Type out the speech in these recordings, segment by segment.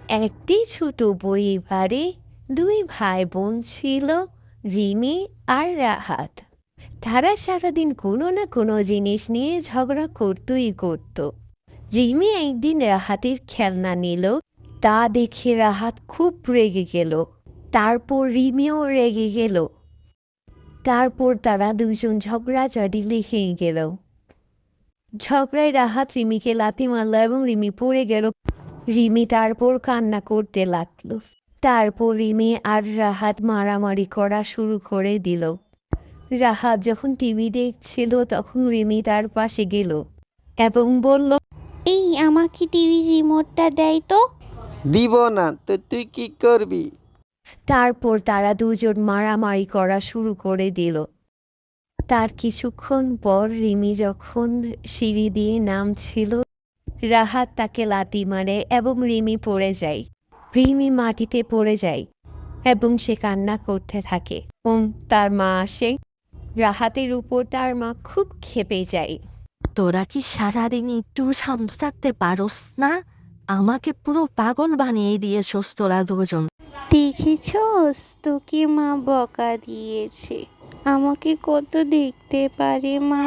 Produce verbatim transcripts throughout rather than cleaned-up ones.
একটি ছোট পরিবারে দুই ভাই বোন ছিল, রিমি আর রাহাত। তারা সারাদিন কোনো না কোনো জিনিস নিয়ে ঝগড়া করতই করত। রিমি একদিন রাহাতের খেলনা নিল, তা দেখে রাহাত খুব রেগে গেল। তারপর রিমিও রেগে গেল। তারপর তারা দুজন ঝগড়াঝাটি লেগে গেল। ঝগড়ায় রাহাত রিমিকে লাথি মারল এবং রিমি পড়ে গেল। রিমি তারপর কান্না করতে লাগলো। তারপর রিমি আর রাহাত মারামারি করা শুরু করে দিল। রাহাত যখন টিভি দেখছিল তখন রিমি তার পাশে গেল এবং বলল, এই আমাকে টিভি রিমোটটা দেয় তো। দিব না তো তুই কি করবি? তারপর তারা দুজন মারামারি করা শুরু করে দিল। তার কিছুক্ষণ পর রিমি যখন সিঁড়ি দিয়ে নামছিল, রাহাত তাকে লাথি মারে এবং রিমি পড়ে যায়। রিমি মাটিতে পড়ে যায় এবং সে কান্না করতে থাকে। এবং তার মা আসে। রাহাতের উপর তার মা খুব ক্ষেপে যায়। তোরা কি সারাদিন একটু শান্ত থাকতে পারোস না? আমাকে পুরো পাগল বানিয়ে দিয়েছস তোরা দুজন। দেখেছস, তোকে মা বকা দিয়েছে। আমাকে কত দেখতে পারে মা।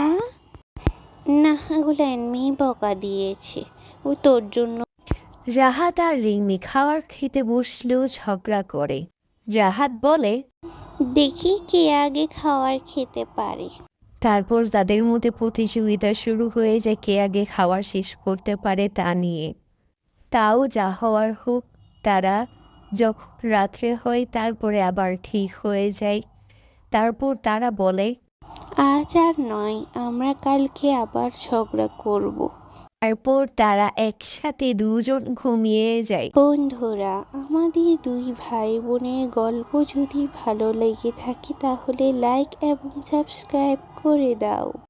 না, ওগুলো এমনি বকা দিয়েছে, ও তোর জন্য। রাহাত আর রিমি খাবার খেতে বসলেও ঝগড়া করে। রাহাত বলে, দেখি কে আগে খাবার খেতে পারে। তারপর তাদের মধ্যে প্রতিযোগিতা শুরু হয়ে যায় কে আগে খাবার শেষ করতে পারে তা নিয়ে। তাও যা হওয়ার হোক, তারা যখন রাত্রে হয় তারপরে আবার ঠিক হয়ে যায়। তারপর তারা বলে, আজ আর নয়, আমরা কালকে আবার ঝগড়া করব। তারপর তারা একসাথে দুজন ঘুমিয়ে যায়। বন্ধুরা, আমাদের দুই ভাই বোনের গল্প যদি ভালো লেগে থাকে তাহলে লাইক এবং সাবস্ক্রাইব করে দাও।